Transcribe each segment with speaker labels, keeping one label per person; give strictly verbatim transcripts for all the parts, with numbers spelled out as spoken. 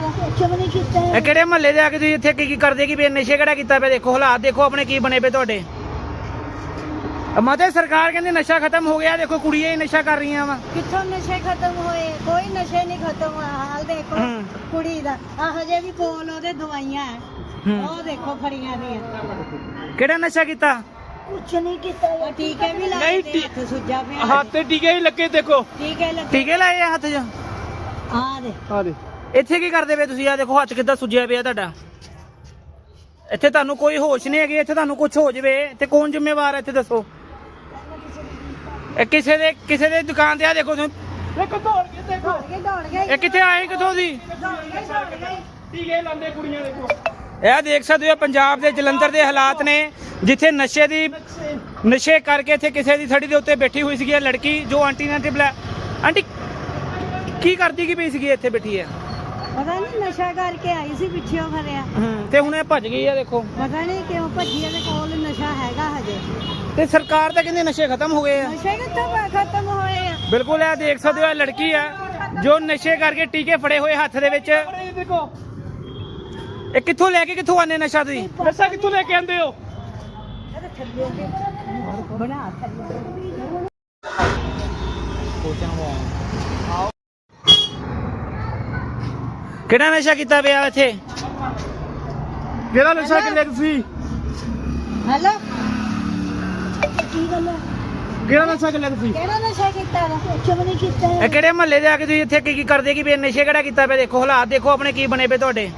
Speaker 1: ਕੁਛ ਵੀ ਨਹੀਂ ਕੀਤਾ
Speaker 2: ਇਹ ਕਿਹੜੇ ਮਹੱਲੇ ਦੇ ਆ ਕੇ ਤੁਸੀਂ ਇੱਥੇ ਕੀ ਕੀ ਕਰਦੇ ਕੀ ਵੀ ਨਸ਼ੇ ਕਿਹੜਾ ਕੀਤਾ ਪਿਆ? ਦੇਖੋ ਹਾਲਾਤ ਦੇਖੋ ਆਪਣੇ ਕੀ ਬਣੇ ਪਏ ਤੁਹਾਡੇ। ਮਾਤੇ ਸਰਕਾਰ ਕਹਿੰਦੀ ਨਸ਼ਾ ਖਤਮ ਹੋ ਗਿਆ, ਦੇਖੋ ਕੁੜੀਆਂ ਹੀ ਨਸ਼ਾ ਕਰ ਰਹੀਆਂ ਵਾ।
Speaker 1: ਕਿੱਥੋਂ ਨਸ਼ੇ ਖਤਮ ਹੋਏ? ਕੋਈ ਨਸ਼ੇ ਨਹੀਂ ਖਤਮ ਹੋਇਆ। ਹਾਲ ਦੇਖੋ ਕੁੜੀ ਦਾ, ਆ ਹਜੇ ਵੀ ਕੋਲ ਉਹਦੇ ਦਵਾਈਆਂ ਹੈ, ਉਹ ਦੇਖੋ ਫੜੀਆਂ ਦੀਆਂ।
Speaker 2: ਕਿਹੜਾ ਨਸ਼ਾ ਕੀਤਾ?
Speaker 1: ਕੁਛ ਨਹੀਂ ਕੀਤਾ। ਟੀਕੇ ਵੀ ਲਾਏ
Speaker 3: ਨਹੀਂ,
Speaker 1: ਤੇ ਹੱਥ ਸੁੱਜਾ ਪਿਆ।
Speaker 3: ਹੱਥ ਤੇ ਟੀਕੇ ਹੀ ਲੱਗੇ ਦੇਖੋ।
Speaker 1: ਟੀਕੇ ਲੱਗੇ।
Speaker 2: ਟੀਕੇ ਲਾਏ ਆ ਹੱਥ 'ਚ?
Speaker 1: ਆ ਦੇ
Speaker 3: ਆ ਦੇ
Speaker 2: ਇੱਥੇ ਕੀ ਕਰਦੇ ਪਏ ਤੁਸੀਂ? ਆ ਦੇਖੋ ਹੱਥ ਕਿੱਦਾਂ ਸੁੱਜਿਆ ਪਿਆ ਤੁਹਾਡਾ। ਇੱਥੇ ਤੁਹਾਨੂੰ ਕੋਈ ਹੋਸ਼ ਨਹੀਂ ਹੈਗੀ, ਇੱਥੇ ਤੁਹਾਨੂੰ ਕੁਝ ਹੋ ਜਵੇ ਤੇ ਕੌਣ ਜ਼ਿੰਮੇਵਾਰ ਹੈ ਇੱਥੇ ਦੱਸੋ? ਇਹ ਕਿਸੇ ਦੇ ਕਿਸੇ ਦੇ ਦੁਕਾਨ ਤੇ ਆ ਦੇਖੋ ਤੁਸੀਂ,
Speaker 3: ਦੇਖੋ ਦੌੜ ਕੇ ਦੇਖੋ।
Speaker 1: ਦੌੜ ਗਏ ਦੌੜ ਗਏ
Speaker 2: ਇਹ ਕਿੱਥੇ ਆਏ ਕਿੱਥੋਂ ਦੀ?
Speaker 1: ਦੌੜ ਗਏ ਦੌੜ ਗਏ।
Speaker 3: ਟੀਕੇ ਲਾਉਂਦੇ ਕੁੜੀਆਂ ਦੇਖੋ।
Speaker 2: ਇਹ ਦੇਖ ਸਕਦੇ ਹੋ ਪੰਜਾਬ ਦੇ ਜਲੰਧਰ ਦੇ ਹਾਲਾਤ ਨੇ, ਜਿੱਥੇ ਨਸ਼ੇ ਦੀ ਨਸ਼ੇ ਕਰਕੇ ਇੱਥੇ ਕਿਸੇ ਦੀ ਥੜੀ ਦੇ ਉੱਤੇ ਬੈਠੀ ਹੋਈ ਸੀਗੀ ਲੜਕੀ, ਜੋ ਆਂਟੀ ਨੇ ਟਿਬਲਾ ਆਂਟੀ ਕੀ ਕਰਦੀ ਕੀ ਪਈ ਸੀਗੀ ਇੱਥੇ ਬੈਠੀ ਹੈ?
Speaker 1: ਪਤਾ ਨਹੀਂ ਨਸ਼ਾ ਕਰਕੇ ਆਈ ਸੀ ਪਿੱਛੇ ਖਰਿਆ
Speaker 2: ਤੇ ਹੁਣ ਇਹ ਭੱਜ ਗਈ ਆ ਦੇਖੋ।
Speaker 1: ਪਤਾ ਨਹੀਂ ਕਿਉਂ ਭੱਜੀ। ਇਹਦੇ ਕੋਲ ਨਸ਼ਾ ਹੈਗਾ ਹਜੇ।
Speaker 2: ਤੇ ਸਰਕਾਰ ਤਾਂ ਕਹਿੰਦੀ ਨਸ਼ੇ ਖਤਮ ਹੋ ਗਏ ਆ।
Speaker 1: ਨਸ਼ੇ ਕਿੱਥੋਂ ਖਤਮ ਹੋਏ ਆ?
Speaker 2: ਬਿਲਕੁਲ ਇਹ ਦੇਖ ਸਕਦੇ ਹੋ ਇਹ ਲੜਕੀ ਆ ਜੋ ਨਸ਼ੇ ਕਰਕੇ ਟੀਕੇ ਫੜੇ ਹੋਏ ਹੱਥ ਦੇ ਵਿੱਚ।
Speaker 3: ਇਹ ਦੇਖੋ
Speaker 2: ਇਹ ਕਿੱਥੋਂ ਲੈ ਕੇ ਕਿੱਥੋਂ ਆਨੇ ਨਸ਼ਾ ਤੁਸੀਂ?
Speaker 3: ਨਸ਼ਾ ਕਿੱਥੋਂ ਲੈ ਕੇ ਆਂਦੇ ਹੋ?
Speaker 1: ਇਹਦੇ ਥੱਲੇ ਬਣਾ ਥੱਲੇ।
Speaker 2: ਕਿਹੜਾ ਨਸ਼ਾ ਕੀਤਾ ਪਿਆ ਇੱਥੇ?
Speaker 3: ਕਿਹੜਾ ਨਸ਼ਾ ਕਿੱਲੇ ਤੁਸੀਂ?
Speaker 1: ਹੈਲੋ ਕੀ ਗੱਲ ਹੈ?
Speaker 3: ਕਿਹੜਾ ਨਸ਼ਾ ਕਿੱਲੇ ਤੁਸੀਂ?
Speaker 1: ਕਿਹੜਾ ਨਸ਼ਾ ਕੀਤਾ ਵਾ? ਕੁਛ ਵੀ ਨਹੀਂ ਕੀਤਾ।
Speaker 2: ਇਹ ਕਿਹੜੇ ਮਹੱਲੇ ਦੇ ਆ ਕੇ ਤੁਸੀਂ ਇੱਥੇ ਕੀ ਕੀ ਕਰਦੇ ਕੀ ਵੀ ਨਸ਼ੇ ਕਿਹੜਾ ਕੀਤਾ ਪਿਆ? ਦੇਖੋ ਹਾਲਾਤ ਦੇਖੋ ਆਪਣੇ ਕੀ ਬਣੇ ਪਏ ਤੁਹਾਡੇ।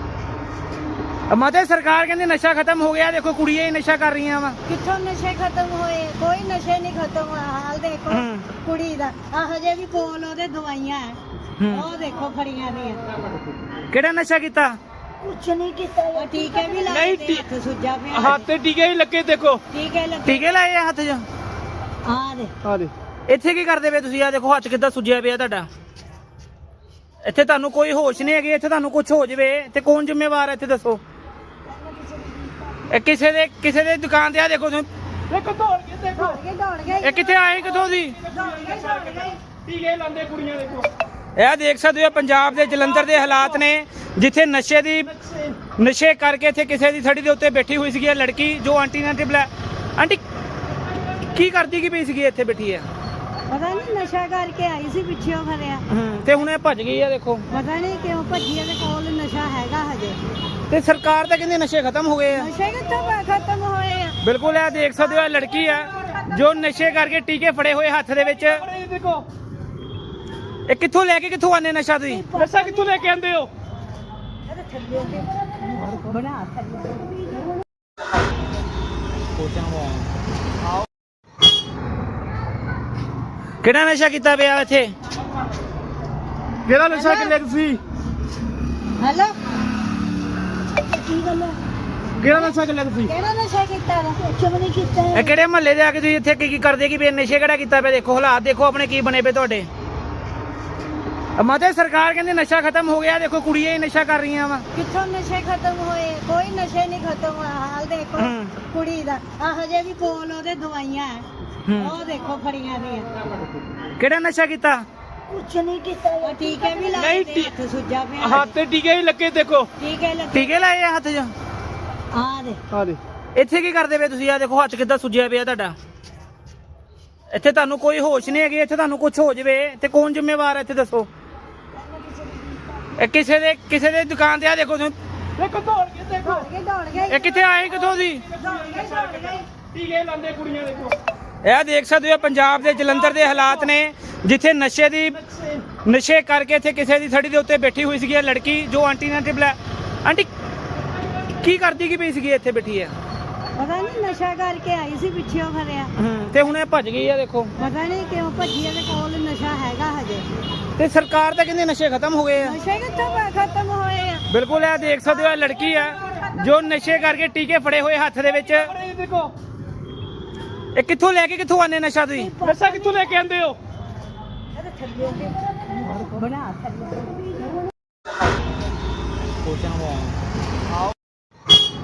Speaker 2: ਮਾਤੇ ਸਰਕਾਰ ਕਹਿੰਦੀ ਨਸ਼ਾ ਖਤਮ ਹੋ ਗਿਆ, ਦੇਖੋ ਕੁੜੀਆਂ ਹੀ ਨਸ਼ਾ ਕਰ ਰਹੀਆਂ ਵਾ।
Speaker 1: ਕਿੱਥੋਂ ਨਸ਼ੇ ਖਤਮ ਹੋਏ? ਕੋਈ ਨਸ਼ੇ ਨਹੀਂ ਖਤਮ ਹੋਇਆ। ਹਾਲ ਦੇਖੋ ਕੁੜੀ ਦਾ, ਆ ਹਜੇ ਵੀ ਕੋਲ ਉਹਦੇ ਦਵਾਈਆਂ ਹੈ, ਉਹ ਦੇਖੋ ਫੜੀਆਂ ਦੀਆਂ।
Speaker 2: ਕਿਹੜਾ ਨਸ਼ਾ ਕੀਤਾ?
Speaker 1: ਕੁਛ ਨਹੀਂ ਕੀਤਾ। ਟੀਕੇ ਵੀ ਲਾਏ
Speaker 3: ਨਹੀਂ,
Speaker 1: ਤੇ ਹੱਥ ਸੁੱਜਾ ਪਿਆ।
Speaker 3: ਹੱਥ ਤੇ ਟੀਕੇ ਹੀ ਲੱਗੇ ਦੇਖੋ।
Speaker 1: ਟੀਕੇ ਲੱਗੇ।
Speaker 2: ਟੀਕੇ ਲਾਏ ਆ ਹੱਥ 'ਚ?
Speaker 1: ਆ ਦੇ
Speaker 3: ਆ ਦੇ
Speaker 2: ਇੱਥੇ ਕੀ ਕਰਦੇ ਪਏ ਤੁਸੀਂ? ਆ ਦੇਖੋ ਹੱਥ ਕਿੱਦਾਂ ਸੁੱਜਿਆ ਪਿਆ ਤੁਹਾਡਾ। ਇੱਥੇ ਤੁਹਾਨੂੰ ਕੋਈ ਹੋਸ਼ ਨਹੀਂ ਹੈਗੀ, ਇੱਥੇ ਤੁਹਾਨੂੰ ਕੁਝ ਹੋ ਜਵੇ ਤੇ ਕੌਣ ਜ਼ਿੰਮੇਵਾਰ ਹੈ ਇੱਥੇ ਦੱਸੋ? ਇਹ ਕਿਸੇ ਦੇ ਕਿਸੇ ਦੇ ਦੁਕਾਨ ਤੇ ਆ ਦੇਖੋ ਤੁਸੀਂ,
Speaker 3: ਦੇਖੋ ਦੌੜ ਕੇ ਦੇਖੋ।
Speaker 1: ਦੌੜ ਗਏ ਦੌੜ ਗਏ।
Speaker 2: ਇਹ ਕਿੱਥੇ ਆਏ ਕਿੱਥੋਂ ਦੀ?
Speaker 1: ਦੌੜ ਗਏ ਦੌੜ ਗਏ।
Speaker 3: ਟੀਕੇ ਲਾਉਂਦੇ ਕੁੜੀਆਂ ਦੇਖੋ।
Speaker 2: ਇਹ ਦੇਖ ਸਕਦੇ ਹੋ ਪੰਜਾਬ ਦੇ ਜਲੰਧਰ ਦੇ ਹਾਲਾਤ ਨੇ, ਜਿੱਥੇ ਨਸ਼ੇ ਦੀ ਨਸ਼ੇ ਕਰਕੇ ਇੱਥੇ ਕਿਸੇ ਦੀ ਥੜੀ ਦੇ ਉੱਤੇ ਬੈਠੀ ਹੋਈ ਸੀਗੀ ਲੜਕੀ, ਜੋ ਆਂਟੀ ਨੇ ਟਿਬਲਾ ਆਂਟੀ ਕੀ ਕਰਦੀ ਕੀ ਪਈ ਸੀਗੀ ਇੱਥੇ ਬੈਠੀ ਹੈ?
Speaker 1: ਪਤਾ ਨਹੀਂ ਨਸ਼ਾ ਕਰਕੇ ਆਈ ਸੀ ਪਿੱਛੇ ਖਰਿਆ
Speaker 2: ਤੇ ਹੁਣ ਇਹ ਭੱਜ ਗਈ ਆ ਦੇਖੋ।
Speaker 1: ਪਤਾ ਨਹੀਂ ਕਿਉਂ ਭੱਜੀ। ਇਹਦੇ ਕੋਲ ਨਸ਼ਾ ਹੈਗਾ ਹਜੇ।
Speaker 2: ਤੇ ਸਰਕਾਰ ਤਾਂ ਕਹਿੰਦੀ ਨਸ਼ੇ ਖਤਮ ਹੋ ਗਏ ਆ।
Speaker 1: ਨਸ਼ੇ ਕਿੱਥੋਂ ਖਤਮ ਹੋਏ ਆ?
Speaker 2: ਬਿਲਕੁਲ ਇਹ ਦੇਖ ਸਕਦੇ ਹੋ ਇਹ ਲੜਕੀ ਆ ਜੋ ਨਸ਼ੇ ਕਰਕੇ ਟੀਕੇ ਫੜੇ ਹੋਏ ਹੱਥ ਦੇ ਵਿੱਚ।
Speaker 3: ਇਹ ਦੇਖੋ
Speaker 2: ਇਹ ਕਿੱਥੋਂ ਲੈ ਕੇ ਕਿੱਥੋਂ ਆਨੇ ਨਸ਼ਾ ਤੁਸੀਂ?
Speaker 3: ਨਸ਼ਾ ਕਿੱਥੋਂ ਲੈ ਕੇ ਆਂਦੇ ਹੋ?
Speaker 1: ਇਹਦੇ ਥੱਲੇ ਬਣਾ ਥੱਲੇ।
Speaker 2: ਕਿਹੜਾ ਨਸ਼ਾ ਕੀਤਾ ਪਿਆ ਇੱਥੇ?
Speaker 3: ਕਿਹੜਾ ਨਸ਼ਾ ਕਿੱਲੇ ਤੁਸੀਂ?
Speaker 1: ਹੈਲੋ ਕੀ ਗੱਲ ਹੈ?
Speaker 3: ਕਿਹੜਾ ਨਸ਼ਾ ਕਿੱਲੇ ਤੁਸੀਂ?
Speaker 1: ਕਿਹੜਾ ਨਸ਼ਾ ਕੀਤਾ ਵਾ? ਕੁਛ ਵੀ ਨਹੀਂ ਕੀਤਾ।
Speaker 2: ਇਹ ਕਿਹੜੇ ਮਹੱਲੇ ਦੇ ਆ ਕੇ ਤੁਸੀਂ ਇੱਥੇ ਕੀ ਕੀ ਕਰਦੇ ਕੀ ਵੀ ਨਸ਼ੇ ਕਿਹੜਾ ਕੀਤਾ ਪਿਆ? ਦੇਖੋ ਹਾਲਾਤ ਦੇਖੋ ਆਪਣੇ ਕੀ ਬਣੇ ਪਏ ਤੁਹਾਡੇ। ਮਾਤੇ ਸਰਕਾਰ ਕਹਿੰਦੀ ਨਸ਼ਾ ਖਤਮ ਹੋ ਗਿਆ, ਦੇਖੋ ਕੁੜੀਆਂ ਹੀ ਨਸ਼ਾ ਕਰ ਰਹੀਆਂ ਵਾ।
Speaker 1: ਕਿੱਥੋਂ ਨਸ਼ੇ ਖਤਮ ਹੋਏ? ਕੋਈ ਨਸ਼ੇ ਨਹੀਂ ਖਤਮ ਹੋਇਆ। ਹਾਲ ਦੇਖੋ ਕੁੜੀ ਦਾ, ਆ ਹਜੇ ਵੀ ਕੋਲ ਉਹਦੇ ਦਵਾਈਆਂ ਹੈ, ਉਹ ਦੇਖੋ ਫੜੀਆਂ ਦੀਆਂ।
Speaker 2: ਕਿਹੜਾ ਨਸ਼ਾ ਕੀਤਾ?
Speaker 1: ਕੁਛ ਨਹੀਂ ਕੀਤਾ। ਟੀਕੇ ਵੀ ਲਾਏ
Speaker 3: ਨਹੀਂ,
Speaker 1: ਤੇ ਹੱਥ ਸੁੱਜਾ ਪਿਆ।
Speaker 3: ਹੱਥ ਤੇ ਟੀਕੇ ਹੀ ਲੱਗੇ ਦੇਖੋ।
Speaker 1: ਟੀਕੇ ਲੱਗੇ।
Speaker 2: ਟੀਕੇ ਲਾਏ ਆ ਹੱਥ 'ਚ?
Speaker 1: ਆ ਦੇ
Speaker 3: ਆ ਦੇ
Speaker 2: ਇੱਥੇ ਕੀ ਕਰਦੇ ਪਏ ਤੁਸੀਂ? ਆ ਦੇਖੋ ਹੱਥ ਕਿੱਦਾਂ ਸੁੱਜਿਆ ਪਿਆ ਤੁਹਾਡਾ। ਇੱਥੇ ਤੁਹਾਨੂੰ ਕੋਈ ਹੋਸ਼ ਨਹੀਂ ਹੈਗੀ, ਇੱਥੇ ਤੁਹਾਨੂੰ ਕੁਝ ਹੋ ਜਵੇ ਤੇ ਕੌਣ ਜ਼ਿੰਮੇਵਾਰ ਹੈ ਇੱਥੇ ਦੱਸੋ? ਇਹ ਕਿਸੇ ਦੇ ਕਿਸੇ ਦੇ ਦੁਕਾਨ ਤੇ ਆ ਦੇਖੋ ਤੁਸੀਂ,
Speaker 3: ਦੇਖੋ ਦੌੜ ਕੇ ਦੇਖੋ।
Speaker 1: ਦੌੜ ਗਏ ਦੌੜ ਗਏ।
Speaker 2: ਇਹ ਕਿੱਥੇ ਆਏ ਕਿੱਥੋਂ ਦੀ?
Speaker 1: ਦੌੜ ਗਏ ਦੌੜ ਗਏ।
Speaker 3: ਟੀਕੇ ਲਾਉਂਦੇ ਕੁੜੀਆਂ ਦੇਖੋ।
Speaker 2: ਇਹ ਦੇਖ ਸਕਦੇ ਹੋ ਪੰਜਾਬ ਦੇ ਜਲੰਧਰ ਦੇ ਹਾਲਾਤ ਨੇ, ਜਿੱਥੇ ਨਸ਼ੇ ਦੀ ਨਸ਼ੇ ਕਰਕੇ ਇੱਥੇ ਕਿਸੇ ਦੀ ਥੜੀ ਦੇ ਉੱਤੇ ਬੈਠੀ ਹੋਈ ਸੀਗੀ ਲੜਕੀ, ਜੋ ਆਂਟੀ ਨੇ ਟਿਬਲਾ ਆਂਟੀ ਕੀ ਕਰਦੀ ਕੀ ਪਈ ਸੀਗੀ ਇੱਥੇ ਬੈਠੀ ਹੈ?
Speaker 1: ਪਤਾ ਨਹੀਂ ਨਸ਼ਾ ਕਰਕੇ ਆਈ ਸੀ ਪਿੱਛੇ ਖਰਿਆ
Speaker 2: ਤੇ ਹੁਣ ਇਹ ਭੱਜ ਗਈ ਆ ਦੇਖੋ।
Speaker 1: ਪਤਾ ਨਹੀਂ ਕਿਉਂ ਭੱਜੀ। ਇਹਦੇ ਕੋਲ ਨਸ਼ਾ ਹੈਗਾ ਹਜੇ।
Speaker 2: ਤੇ ਸਰਕਾਰ ਤਾਂ ਕਹਿੰਦੀ ਨਸ਼ੇ ਖਤਮ ਹੋ ਗਏ ਆ।
Speaker 1: ਨਸ਼ੇ ਕਿੱਥੋਂ ਖਤਮ ਹੋਏ ਆ?
Speaker 2: ਬਿਲਕੁਲ ਇਹ ਦੇਖ ਸਕਦੇ ਹੋ ਇਹ ਲੜਕੀ ਆ ਜੋ ਨਸ਼ੇ ਕਰਕੇ ਟੀਕੇ ਫੜੇ ਹੋਏ ਹੱਥ ਦੇ ਵਿੱਚ।
Speaker 3: ਇਹ ਦੇਖੋ
Speaker 2: ਇਹ ਕਿੱਥੋਂ ਲੈ ਕੇ ਕਿੱਥੋਂ ਆਨੇ ਨਸ਼ਾ ਤੁਸੀਂ?
Speaker 3: ਨਸ਼ਾ ਕਿੱਥੋਂ ਲੈ ਕੇ ਆਂਦੇ ਹੋ?
Speaker 1: ਇਹਦੇ ਥੱਲੇ ਬਣਾ ਥੱਲੇ।